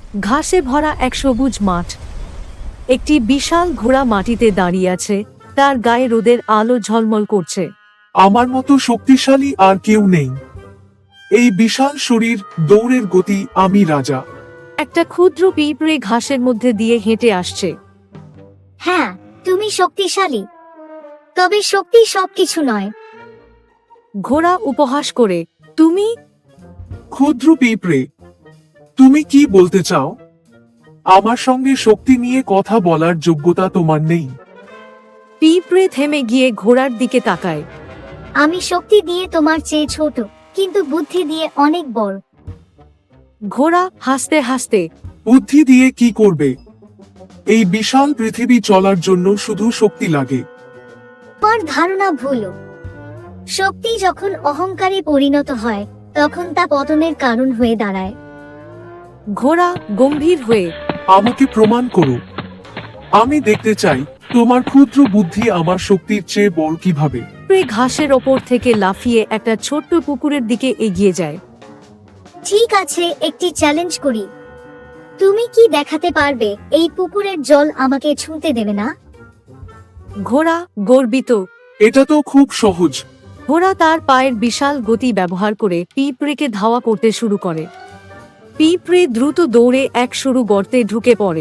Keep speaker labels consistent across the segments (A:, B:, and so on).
A: ঘাসে ভরা এক সবুজ মাঠ। একটি বিশাল ঘোড়া মাটিতে দাঁড়িয়ে আছে, তার গায়ে রোদের আলো ঝলমল করছে।
B: আমার মতো শক্তিশালী আর কেউ নেই। এই বিশাল শরীর, দৌড়ের গতি, আমি রাজা।
A: একটা ক্ষুদ্র পিঁপড়ে ঘাসের মধ্যে দিয়ে হেঁটে আসছে।
C: হ্যাঁ, তুমি শক্তিশালী, তবে শক্তি সবকিছু নয়।
A: ঘোড়া উপহাস করে, তুমি?
B: ক্ষুদ্র পিঁপড়ে, তুমি কি বলতে চাও? আমার সঙ্গে শক্তি নিয়ে কথা বলার যোগ্যতা তোমার নেই।
A: পিঁপড়ে থেমে গিয়ে ঘোড়ার দিকে তাকায়।
C: আমি শক্তি দিয়ে তোমার চেয়ে ছোট, কিন্তু বুদ্ধি দিয়ে অনেক বড়।
A: ঘোড়া হাসতে হাসতে,
B: বুদ্ধি দিয়ে কি করবে? এই বিশাল পৃথিবী চলার জন্য শুধু শক্তি লাগে।
C: তোমার ধারণা ভুল। শক্তি যখন অহংকারে পরিণত হয়, তখন তা পতনের কারণ হয়ে দাঁড়ায়।
A: ঘোড়া গম্ভীর হয়ে,
B: আমাকে প্রমাণ করো। আমি দেখতে চাই তোমার ক্ষুদ্র বুদ্ধি আমার শক্তির চেয়ে বড় কিভাবে।
A: পিঁপড়ে ঘাসের ওপর থেকে লাফিয়ে একটা ছোট্ট পুকুরের দিকে এগিয়ে যায়।
C: ঠিক আছে, একটি চ্যালেঞ্জ করি। তুমি কি দেখাতে পারবে এই পুকুরের জল আমাকে ছুঁতে দেবে না?
A: ঘোড়া গর্বিত।
B: এটা তো খুব সহজ।
A: ঘোড়া তার পায়ের বিশাল গতি ব্যবহার করে পিঁপড়েকে ধাওয়া করতে শুরু করে। পিঁপড়ে দ্রুত দৌড়ে এক সরু গর্তে ঢুকে পড়ে।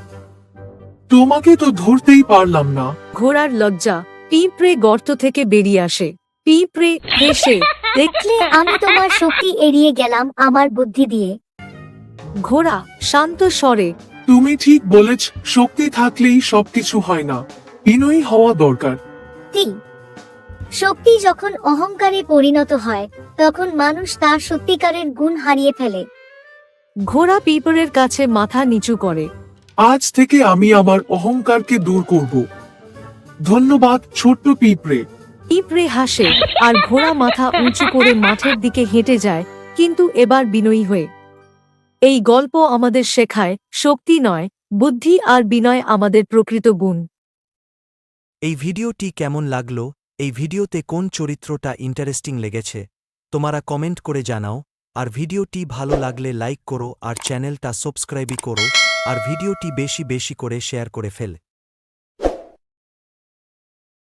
B: তোমাকে তো ধরতেই পারলাম না।
A: ঘোড়ার লজ্জা। পিঁপড়ে গর্ত থেকে বেরিয়ে আসে। পিঁপড়ে হেসে,
C: দেখলে আমি তোমার শক্তি এড়িয়ে গেলাম আমার বুদ্ধি দিয়ে।
A: ঘোড়া শান্ত স্বরে,
B: তুমি ঠিক বলেছ, শক্তি থাকলেই সবকিছু হয় না, বিনয়ী হওয়া দরকার।
C: তি শক্তি যখন অহংকারে পরিণত হয়, তখন মানুষ তার সত্যিকারের গুণ হারিয়ে ফেলে।
A: ঘোড়া পিঁপড়ের কাছে মাথা নিচু করে।
B: আজ থেকে আমি আমার অহংকারকে দূর করব। ধন্যবাদ ছোট্ট পিঁপড়ে।
A: পিঁপড়ে হাসে আর ঘোড়া মাথা উঁচু করে মাঠের দিকে হেঁটে যায়, কিন্তু এবার বিনয়ী হয়ে। এই গল্প আমাদের শেখায়, শক্তি নয়, বুদ্ধি আর বিনয় আমাদের প্রকৃত গুণ।
D: এই ভিডিওটি কেমন লাগলো? এই ভিডিওতে কোন চরিত্রটা ইন্টারেস্টিং লেগেছে তোমরা কমেন্ট করে জানাও। আর ভিডিওটি ভালো লাগলে লাইক করো আর চ্যানেলটা সাবস্ক্রাইবই করো। আর ভিডিওটি বেশি বেশি করে শেয়ার করে ফেল।